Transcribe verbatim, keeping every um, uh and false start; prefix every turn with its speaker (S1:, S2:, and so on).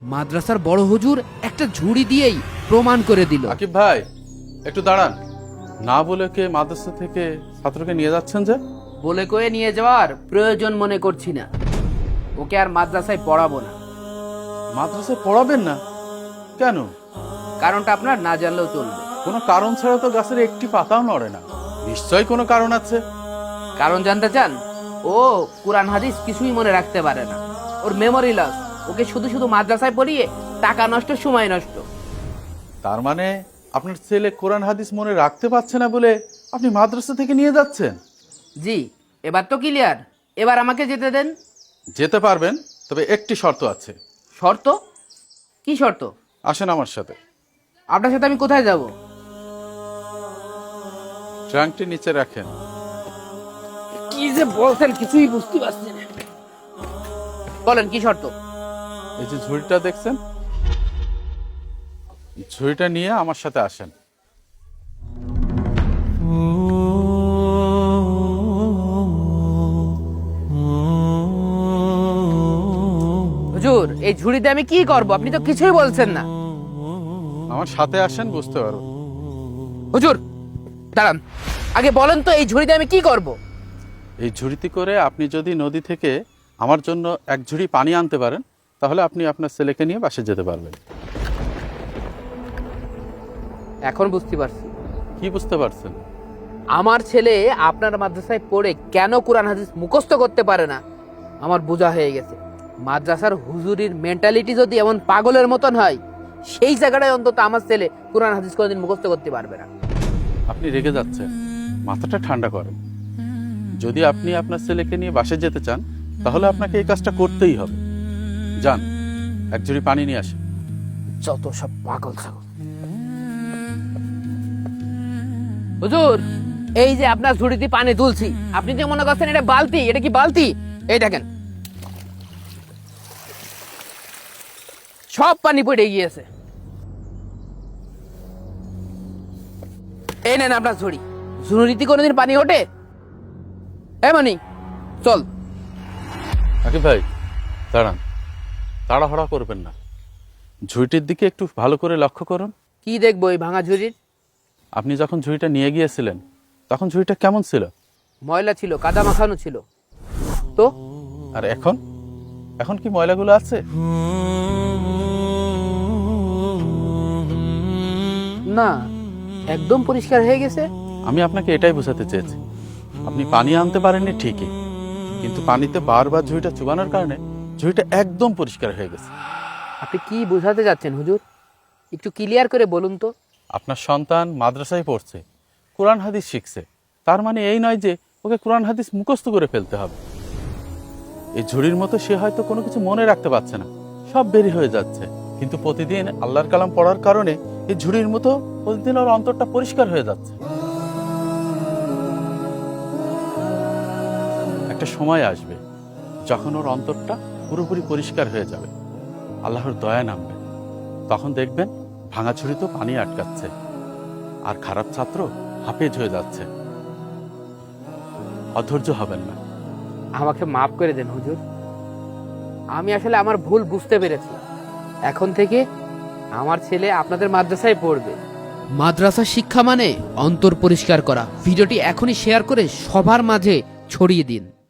S1: মাদ্রাসার বড় হুজুর একটা ঝুড়ি দিয়েই প্রমাণ করে দিল।
S2: আকিব ভাই একটু দাঁড়ান, না বলে কে মাদ্রাসা থেকে ছাত্রকে নিয়ে যাচ্ছেন যে?
S1: বলে কয়ে নিয়ে যাওয়ার প্রয়োজন মনে করছি না, ওকে আর মাদ্রাসায় পড়াবো না।
S2: মাদ্রাসায় পড়াবেন না কেন?
S1: কারণটা আপনার না জানলেও চলবে।
S2: কোনো কারণ ছাড়া তো গাছের একটি পাতাও নড়ে না, নিশ্চয়ই কোনো কারণ আছে।
S1: কারণ জানতে চান? ও কুরআন হাদিস কিছুই মনে রাখতে পারে না, ওর মেমোরি লস। ওকে শুধু শুধু মাদ্রাসায় পড়িয়ে টাকা নষ্ট, সময় নষ্ট।
S2: তার মানে আপনার ছেলে কোরআন হাদিস মনে রাখতে পারছে না বলে আপনি মাদ্রাসা থেকে নিয়ে যাচ্ছেন?
S1: জি, এবার তো ক্লিয়ার। এবার আমাকে যেতে দেন।
S2: যেতে পারবেন, তবে একটি শর্ত আছে।
S1: শর্ত? কি শর্ত?
S2: আসেন আমার সাথে।
S1: আপনার সাথে আমি কোথায় যাব?
S2: ট্রাঙ্কটি নিচে রাখেন।
S1: কি যে বলছেন কিছুই বুঝতে পারছি না। বলেন কি শর্ত?
S2: এই যে ঝুড়িটা দেখছেন, ঝুড়িটা নিয়ে আমার সাথে আসেন।
S1: হুজুর, এই ঝুড়িতে আমি কি করব? আপনি তো কিছুই বলছেন না।
S2: আমার সাথে আসেন, বুঝতে পারবেন।
S1: হুজুর দাঁড়ান, আগে বলেন তো এই ঝুড়িতে আমি কি করব?
S2: এই ঝুড়িতে করে আপনি যদি নদী থেকে আমার জন্য এক ঝুড়ি পানি আনতে পারেন, তাহলে আপনি আপনার ছেলেকে নিয়ে বাসে যেতে পারবেন।
S1: এখন বুঝতে পারছি।
S2: কি বুঝতে পারছেন?
S1: আমার ছেলে আপনার মাদ্রাসায় পড়ে কেন কুরআন হাদিস মুখস্থ করতে পারে না আমার বোঝা হয়ে গেছে। মাদ্রাসার হুজুরির মেন্টালিটি যদি এমন পাগলের মতন হয়, সেই জায়গাটায় অন্তত আমার ছেলে কুরআন হাদিস কোনোদিন মুখস্থ করতে পারবে না।
S2: আপনি রেগে যাচ্ছেন, মাথাটা ঠান্ডা করেন। যদি আপনি আপনার ছেলেকে নিয়ে বাসে যেতে চান, তাহলে আপনাকে এই কাজটা করতেই হবে। যান, এক ঝুড়ি পানি নিয়ে আসেন।
S1: যত সব পাগল ছাগল। হুজুর, এই যে আপনার ঝুড়িতে পানি তুলছি, আপনি যে মনে করছেন এটা বালতি, এটা কি বালতি? এই দেখেন সব পানি পড়ে গিয়েছে। এই নেন আপনার ঝুড়ি। ঝুড়িতে কোনোদিন পানি ওঠে? এমনি চল।
S2: আকিব ভাই দাঁড়ান, তাড়াহুড়া করবেন না। ঝুড়িটির দিকে একটু ভালো করে লক্ষ্য করুন।
S1: কি দেখবো এই ভাঙা ঝুড়ির?
S2: আপনি যখন ঝুড়িটা নিয়ে গিয়েছিলেন, তখন ঝুড়িটা কেমন ছিল?
S1: ময়লা ছিল, কাদা মাখানো ছিল। তো
S2: আর এখন এখন কি ময়লাগুলো আছে?
S1: না, একদম পরিষ্কার হয়ে গেছে।
S2: আমি আপনাকে এটাই বোঝাতে চেয়েছি। আপনি পানি আনতে পারেননি ঠিকই, কিন্তু পানিতে বারবার ঝুড়িটা চুবানোর কারণে ঝুড়িটা একদম পরিষ্কার হয়ে গেছে।
S1: আপনি কি বোঝাতে যাচ্ছেন হুজুর? একটু ক্লিয়ার করে বলুন তো।
S2: আপনার সন্তান মাদ্রাসায় পড়ছে, কোরআন হাদিস শিখছে, তার মানে এই নয় যে ওকে কোরআন হাদিস মুখস্থ করে ফেলতে হবে। এই ঝুড়ির মতো সে হয়তো কোনো কিছু মনে রাখতে পারছে না, সব বেরি হয়ে যাচ্ছে, কিন্তু প্রতিদিন আল্লাহর কালাম পড়ার কারণে এই ঝুড়ির মতো প্রতিদিন ওর অন্তরটা পরিষ্কার হয়ে যাচ্ছে। একটা সময় আসবে যখন ওর অন্তরটা পুরোপুরি পরিষ্কার হয়ে যাবে, আল্লাহর দয়া নামবে। তখন দেখবেন ভাঙা ঝুড়িতেও পানি আটকাচ্ছে, আর খারাপ ছাত্র হাফেজ হয়ে যাচ্ছে। অধৈর্য হবেন না।
S1: আমাকে মাফ করে দেন হুজুর, আমি আসলে আমার ভুল বুঝতে পেরেছি। এখন থেকে আমার ছেলে আপনাদের মাদ্রাসায় পড়বে। মাদ্রাসা শিক্ষা মানে অন্তর পরিষ্কার করা। ভিডিওটি এখনই শেয়ার করে সবার মাঝে ছড়িয়ে দিন।